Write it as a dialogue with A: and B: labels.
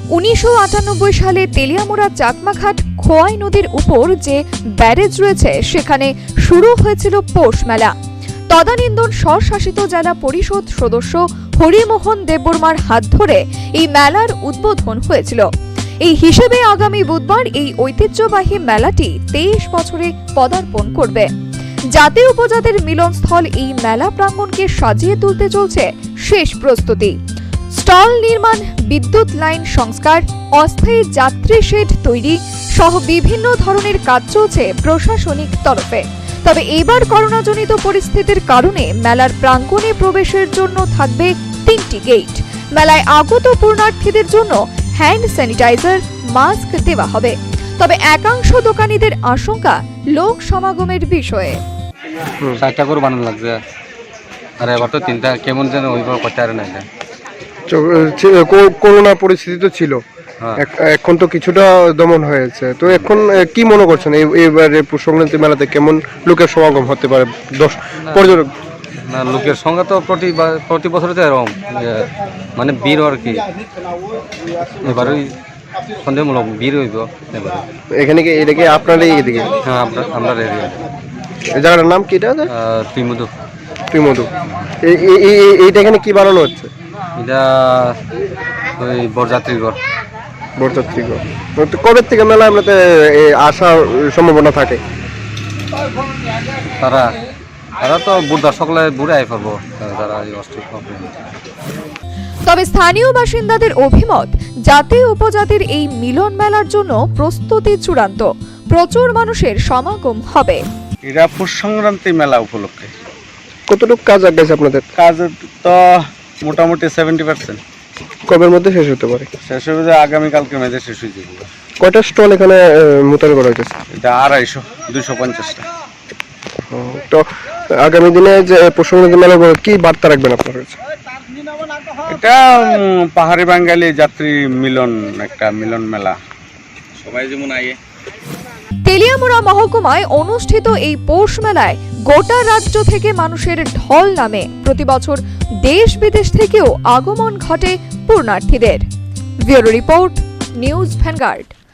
A: 1998 সালে তেলিয়ামুড়া চাকমাঘাট খোয়াই নদীর উপর যে ব্যারেজ রয়েছে সেখানে শুরু হয়েছিল পৌষ মেলা। তদানীন্তন স্বশাসিত জেলা পরিষদ সদস্য হরিমোহন দেববর্মার হাত ধরে এই মেলার উদ্বোধন হয়েছিল। এই হিসেবে আগামী বুধবার এই ঐতিহ্যবাহী মেলাটি 23 বছরে পদার্পণ করবে। জাতি উপজাতির মিলনস্থল এই মেলা প্রাঙ্গণকে সাজিয়ে তুলতে চলছে শেষ প্রস্তুতি। স্টল নির্মাণ, বিদ্যুৎ লাইন সংস্কার, অস্থায়ী যাত্রী শেড তৈরি সহ বিভিন্ন ধরনের কাজ চলছে প্রশাসনিক তরফে। তবে এবার করোনাজনিত পরিস্থিতির কারণে মেলার প্রাঙ্গণে প্রবেশের জন্য থাকবে 3টি গেট। মেলায় আগত পূর্ণার্থীদের জন্য হ্যান্ড স্যানিটাইজার, মাস্ক দেওয়া হবে। তবে একাংশ দোকানীদের আশঙ্কা লোক সমাগমের বিষয়ে।
B: 60টা করে বানানো লাগছে, আর এবার তো 3টা কেমন যেন ওইভাবে করতে পারে না।
C: করোনা পরিস্থিতি তো ছিল, এখন তো কিছুটা দমন হয়েছে। তো এখন কি মনে করছেন এবারে সংক্রান্তি মেলাতে কেমন লোকের সমাগম হতে পারে? পর্যটক
B: না, লোকের সংখ্যা তো প্রতি বছর তো এরকম, মানে ভিড় আর কি। এবারই সন্দেহমূলক ভিড় হইব এবারে।
C: এখানে কি এদিকে আপনার এইদিকে?
B: হ্যাঁ, আমরা রেডি।
C: এই জায়গাটার নাম কি? এটা ত্রিমধু। এইটা এখানে কি বানানো হচ্ছে?
B: এটা ওই বরযাত্রী ঘর।
C: কবে থেকে মেলা আপনাতে আসার সম্ভাবনা থাকে?
B: তারা তো বুধবার সকালে ঘুরে আই পারবো তারা।
A: তবে স্থানীয় বাসিন্দাদের অভিমত, জাতি উপজাতির এই মিলন মেলার জন্য প্রস্তুতি চূড়ান্ত। প্রচুর মানুষের সমাগম হবে।
D: এটা পৌষ সংক্রান্তি মেলা উপলক্ষে।
C: কতটুকু কাজ আগাইছে আপনাদের?
D: কাজ তো মোটামুটি 70%।
C: কবের মধ্যে শেষ হতে পারে?
D: শেষ হবে আগামীকালকে মেঝে শেষ হয়ে যাবে।
C: কয়টা স্টল এখানে মোতায়েন করা হয়েছে?
D: এটা 250, 250টা।
C: তো আগামী দিনে যে পৌষ সংক্রান্তি মেলা কি বার্তা রাখবেন আপনার কাছে?
D: এটা পাহাড়ি বাঙালি যাত্রী মিলন, একটা মিলন মেলা, সবাই যেমন আগে।
A: তেলিয়ামুড়া মহকুমায় অনুষ্ঠিত এই পৌষ মেলায় গোটা রাজ্য থেকে মানুষের ঢল নামে। প্রতি বছর দেশ বিদেশ থেকেও আগমন ঘটে পূর্ণার্থীদের। Bureau report, news vanguard.